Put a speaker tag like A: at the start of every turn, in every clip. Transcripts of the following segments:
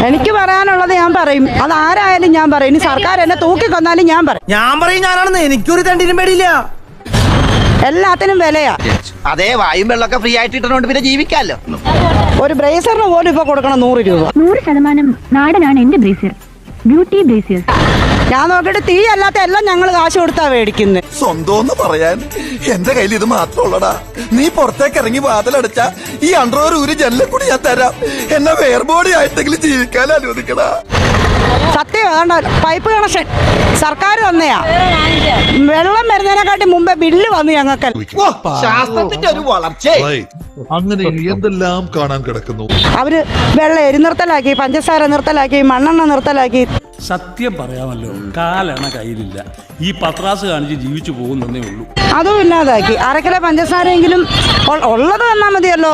A: എനിക്ക് പറയാനുള്ളത് ഞാൻ പറയും. അത് ആരായാലും ഞാൻ പറയും. ഇനി സർക്കാർ എന്നെ തൂക്കിക്കൊന്നാലും ഞാൻ പറയും.
B: ഞാനാണെന്ന് എനിക്കൊരു തണ്ടിനും പേടിയില്ല.
A: എല്ലാത്തിനും വിലയാ.
B: അതേ വായും വെള്ളമൊക്കെ ഫ്രീ ആയിട്ട് ഇട്ടുകൊണ്ട് പിന്നെ ജീവിക്കാമല്ലോ.
A: ഒരു ബ്രേസറിന് പോലും ഇപ്പൊ കൊടുക്കണം 100 രൂപ.
C: 100% നാടനാണ് എന്റെ ബ്രേസിയർ. Beauty brassiere.
A: ഞാൻ നോക്കിയിട്ട് തീ അല്ലാത്ത എല്ലാം ഞങ്ങൾ കാശ് കൊടുത്താ മേടിക്കുന്നത്.
D: സ്വന്തം പറയാൻ എന്റെ കയ്യിൽ ഇത് മാത്രമുള്ളടാ. നീ പുറത്തേക്ക് ഇറങ്ങി വാതിലടച്ച ഈ അണ്ടർവെയർ ഊരി ജനലിൽ കൂടി ഞാൻ തരാം. എന്നെ വേർബോഡി ആയിട്ടെങ്കിലും ജീവിക്കാൻ അനുവദിക്കടാ.
A: സത്യം. അതുകൊണ്ട് പൈപ്പ് കണക്ഷൻ സർക്കാർ തന്നെയാ. വെള്ളം വരുന്നതിനെക്കാട്ടി മുമ്പേ ബില്ല് വന്നു ഞങ്ങൾക്ക്.
B: ശാസ്ത്രത്തിന്റെ ഒരു വളർച്ച.
E: അങ്ങനെ എന്തെല്ലാം കാണാൻ കിടക്കുന്നു.
A: അവര് വെള്ളം എരി നിർത്തലാക്കി, പഞ്ചസാര നിർത്തലാക്കി, മണ്ണെണ്ണ നിർത്തലാക്കി.
F: സത്യം പറയാമല്ലോ, കാലണ കയ്യിലില്ല. ഈ പത്രാസ് കാണിച്ച് ജീവിച്ചു പോകുന്നേ ഉള്ളൂ.
A: അതും ഇല്ലാതാക്കി. അരക്കിലെ പഞ്ചസാരയെങ്കിലും ഉള്ളത് തന്നാ മതിയല്ലോ.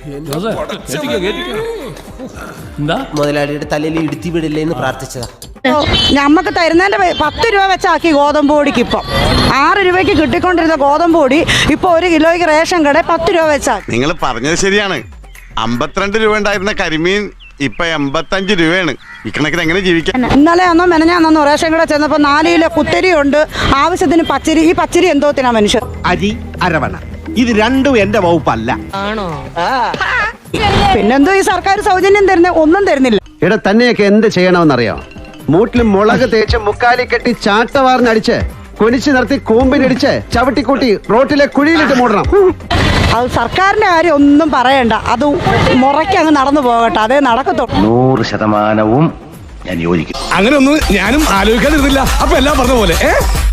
F: എന്താ
B: മുതലാളിയുടെ തലയിൽ ഇടുത്തി വിടില്ലേ എന്ന് പ്രാർത്ഥിച്ചതാ.
A: ഞമ്മക്ക് തരുന്നതിന്റെ 10 രൂപ വെച്ചാക്കി ഗോതമ്പ് പൊടിക്ക്. ഇപ്പം 6 രൂപയ്ക്ക് കിട്ടിക്കൊണ്ടിരുന്ന ഗോതമ്പ് പൊടി ഇപ്പൊ 1 കിലോയ്ക്ക് റേഷൻ കട 10 രൂപ വെച്ചാക്കി.
G: നിങ്ങൾ പറഞ്ഞത് ശരിയാണ്. 52 രൂപ ഉണ്ടായിരുന്ന കരിമീൻ ഇപ്പൊ 85 രൂപയാണ്. ഇക്കണക്കിന് എങ്ങനെ ജീവിക്കാം?
A: ഇന്നലെ ഒന്നോ മെനഞ്ഞാന്നോ റേഷൻ കട ചെന്നപ്പോ 4 കിലോ കുത്തരി ഉണ്ട്, ആവശ്യത്തിന് പച്ചരി. ഈ പച്ചരി എന്തോത്തിനാ മനുഷ്യർ?
H: അരി അരവണ. ഇത് രണ്ടും എന്റെ വകുപ്പല്ല.
A: പിന്നെന്തോ ഈ സർക്കാർ സൗജന്യം തരുന്ന ഒന്നും തരുന്നില്ല.
H: ഇവിടെ തന്നെയൊക്കെ എന്ത് ചെയ്യണമെന്നറിയോ? മൂട്ടിൽ മുളക് തേച്ച് മുക്കാലി കെട്ടി ചാട്ടവാറിനടിച്ച് കൊനിച്ച് നിർത്തി കൂമ്പിനടിച്ച് ചവിട്ടിക്കൂട്ടി റോട്ടിലെ കുഴിയിലിട്ട് മൂടണം.
A: അത് സർക്കാരിന്റെ കാര്യം ഒന്നും പറയണ്ട. അത് മുറയ്ക്ക് അങ്ങ് നടന്നു പോകട്ടെ. അതേ നടക്കത്തുള്ളൂ.
I: 100% ഞാൻ യോജിക്കും.
D: അങ്ങനെ ഒന്നും ഞാനും ആലോചിക്കാതിരുന്നില്ല. അപ്പൊ എല്ലാം പറഞ്ഞ പോലെ